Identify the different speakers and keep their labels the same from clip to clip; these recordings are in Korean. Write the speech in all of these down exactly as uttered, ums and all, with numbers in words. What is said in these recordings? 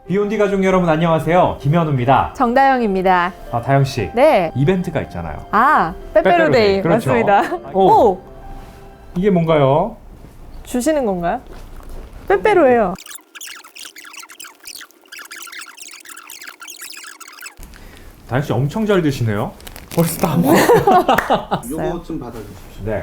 Speaker 1: 비욘디 가족 여러분 안녕하세요. 김현우입니다.
Speaker 2: 정다영입니다.
Speaker 1: 아, 다영 씨.
Speaker 2: 네.
Speaker 1: 이벤트가 있잖아요.
Speaker 2: 아, 빼빼로데이.
Speaker 1: 그렇죠.
Speaker 2: 맞습니다.
Speaker 1: 오.
Speaker 2: 오!
Speaker 1: 이게 뭔가요?
Speaker 2: 주시는 건가요? 빼빼로예요.
Speaker 1: 다영 씨 엄청 잘 드시네요. 벌써 다 먹어.
Speaker 3: 요거 좀 받아주십시오.
Speaker 1: 네.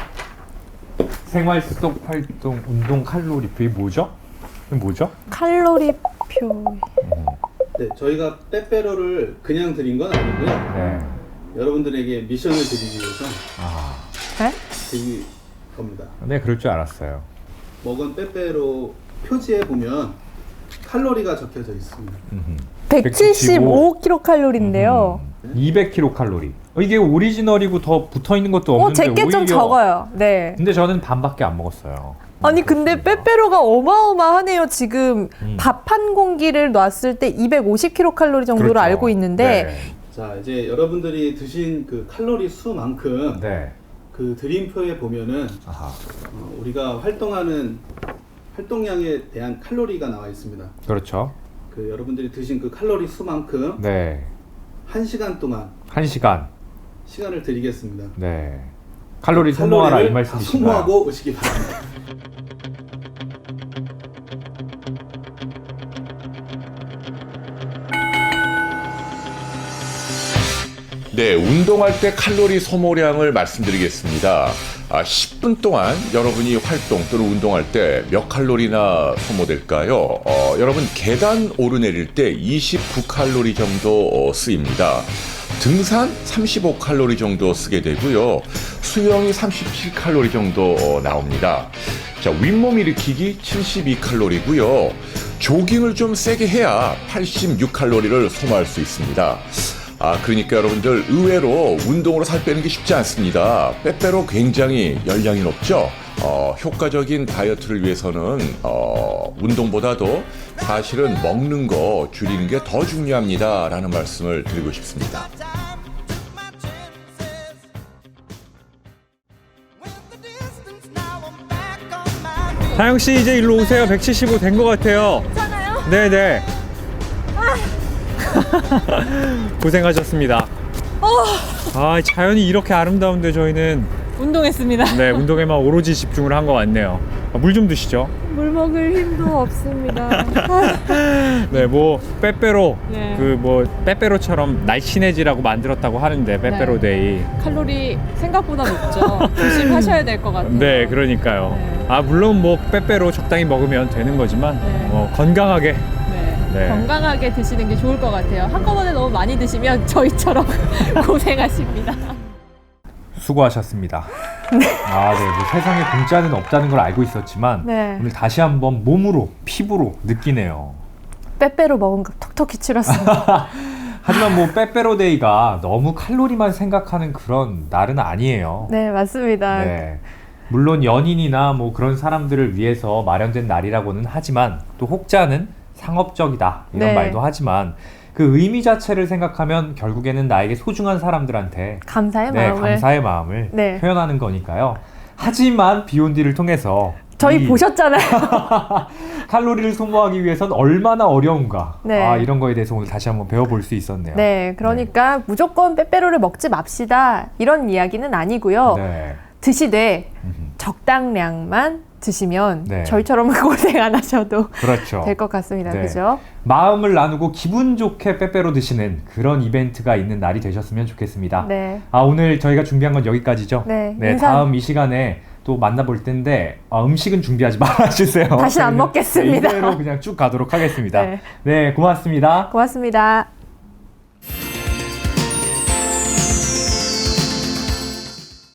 Speaker 1: 생활 속 활동 운동 칼로리표 이게 뭐죠? 이게 뭐죠?
Speaker 2: 칼로리표.
Speaker 3: 네, 저희가 빼빼로를 그냥 드린 건 아니고요.
Speaker 1: 네.
Speaker 3: 여러분들에게 미션을 드리기 위해서
Speaker 1: 아,
Speaker 2: 네?
Speaker 3: 드릴 겁니다.
Speaker 1: 네, 그럴 줄 알았어요.
Speaker 3: 먹은 빼빼로 표지에 보면 칼로리가 적혀져 있습니다.
Speaker 1: 음흠.
Speaker 2: 백칠십오 킬로칼로리인데요.
Speaker 1: 음, 이백 킬로칼로리. 어, 이게 오리지널이고 더 붙어 있는 것도
Speaker 2: 어,
Speaker 1: 없는데
Speaker 2: 제게 좀
Speaker 1: 오히려-
Speaker 2: 적어요. 네.
Speaker 1: 근데 저는 반밖에 안 먹었어요.
Speaker 2: 아니 근데 빼빼로가 어마어마하네요. 지금
Speaker 1: 음.
Speaker 2: 밥 한 공기를 놨을 때 이백오십 킬로칼로리 정도로
Speaker 1: 그렇죠.
Speaker 2: 알고 있는데
Speaker 1: 네.
Speaker 3: 자, 이제 여러분들이 드신 그 칼로리 수만큼
Speaker 1: 네.
Speaker 3: 그 드림표에 보면은
Speaker 1: 아하.
Speaker 3: 어, 우리가 활동하는 활동량에 대한 칼로리가 나와 있습니다.
Speaker 1: 그렇죠.
Speaker 3: 그 여러분들이 드신 그 칼로리 수만큼
Speaker 1: 네.
Speaker 3: 한 시간 동안
Speaker 1: 한 시간.
Speaker 3: 시간을 드리겠습니다.
Speaker 1: 네. 칼로리 소모하라 이
Speaker 3: 칼로리를 다
Speaker 1: 말씀이신가요?
Speaker 3: 소모하고 오시기 바랍니다.
Speaker 4: 네, 운동할 때 칼로리 소모량을 말씀드리겠습니다. 아, 십 분 동안 여러분이 활동 또는 운동할 때 몇 칼로리나 소모될까요? 어, 여러분 계단 오르내릴 때 이십구 칼로리 정도 어, 쓰입니다. 등산 삼십오 칼로리 정도 쓰게 되고요. 수영이 삼십칠 칼로리 정도 어, 나옵니다. 자, 윗몸 일으키기 칠십이 칼로리고요. 조깅을 좀 세게 해야 팔십육 칼로리를 소모할 수 있습니다. 아, 그러니까 여러분들 의외로 운동으로 살 빼는 게 쉽지 않습니다. 빼빼로 굉장히 열량이 높죠. 어, 효과적인 다이어트를 위해서는 어, 운동보다도 사실은 먹는 거 줄이는 게 더 중요합니다. 라는 말씀을 드리고 싶습니다.
Speaker 1: 다영 씨 이제 일로 오세요. 백칠십오 된 것 같아요.
Speaker 2: 괜찮아요?
Speaker 1: 네네. 고생하셨습니다. 아, 자연이 이렇게 아름다운데 저희는
Speaker 2: 운동했습니다.
Speaker 1: 네 운동에만 오로지 집중을 한 것 같네요. 아, 물 좀 드시죠.
Speaker 2: 물 먹을 힘도 없습니다.
Speaker 1: 네, 뭐 빼빼로
Speaker 2: 네.
Speaker 1: 그 뭐 빼빼로처럼 날씬해지라고 만들었다고 하는데 빼빼로데이.
Speaker 5: 칼로리 생각보다 높죠. 조심하셔야 될 것 같아요.
Speaker 1: 네, 그러니까요.
Speaker 5: 네.
Speaker 1: 아 물론 뭐 빼빼로 적당히 먹으면 되는 거지만
Speaker 5: 네.
Speaker 1: 어, 건강하게.
Speaker 5: 네.
Speaker 1: 네.
Speaker 5: 건강하게 드시는 게 좋을 것 같아요. 한꺼번에 너무 많이 드시면 저희처럼 고생하십니다.
Speaker 1: 수고하셨습니다. 아, 네. 뭐 세상에 공짜는 없다는 걸 알고 있었지만
Speaker 2: 네.
Speaker 1: 오늘 다시 한번 몸으로 피부로 느끼네요.
Speaker 2: 빼빼로 먹은 거 톡톡히 치렀습니다.
Speaker 1: 하지만 뭐 빼빼로데이가 너무 칼로리만 생각하는 그런 날은 아니에요.
Speaker 2: 네, 맞습니다.
Speaker 1: 네. 물론 연인이나 뭐 그런 사람들을 위해서 마련된 날이라고는 하지만 또 혹자는 상업적이다 이런
Speaker 2: 네.
Speaker 1: 말도 하지만 그 의미 자체를 생각하면 결국에는 나에게 소중한 사람들한테
Speaker 2: 감사의
Speaker 1: 네,
Speaker 2: 마음을
Speaker 1: 감사의 마음을
Speaker 2: 네.
Speaker 1: 표현하는 거니까요. 하지만 비욘디를 통해서
Speaker 2: 저희
Speaker 1: 이
Speaker 2: 보셨잖아요.
Speaker 1: 칼로리를 소모하기 위해서는 얼마나 어려운가
Speaker 2: 네.
Speaker 1: 아, 이런 거에 대해서 오늘 다시 한번 배워볼 수 있었네요.
Speaker 2: 네, 그러니까 무조건 빼빼로를 먹지 맙시다 이런 이야기는 아니고요.
Speaker 1: 네.
Speaker 2: 드시되
Speaker 1: 음흠.
Speaker 2: 적당량만 드시면
Speaker 1: 네.
Speaker 2: 저희처럼 고생 안 하셔도
Speaker 1: 그렇죠.
Speaker 2: 될 것 같습니다.
Speaker 1: 네.
Speaker 2: 그죠?
Speaker 1: 마음을 나누고 기분 좋게 빼빼로 드시는 그런 이벤트가 있는 날이 되셨으면 좋겠습니다.
Speaker 2: 네.
Speaker 1: 아, 오늘 저희가 준비한 건 여기까지죠?
Speaker 2: 네, 인사-
Speaker 1: 다음 이 시간에 또 만나볼 텐데 아, 음식은 준비하지 말아주세요.
Speaker 2: 다시 안
Speaker 1: 저희는
Speaker 2: 먹겠습니다.
Speaker 1: 이대로 그냥 쭉 가도록 하겠습니다.
Speaker 2: 네.
Speaker 1: 네, 고맙습니다.
Speaker 2: 고맙습니다.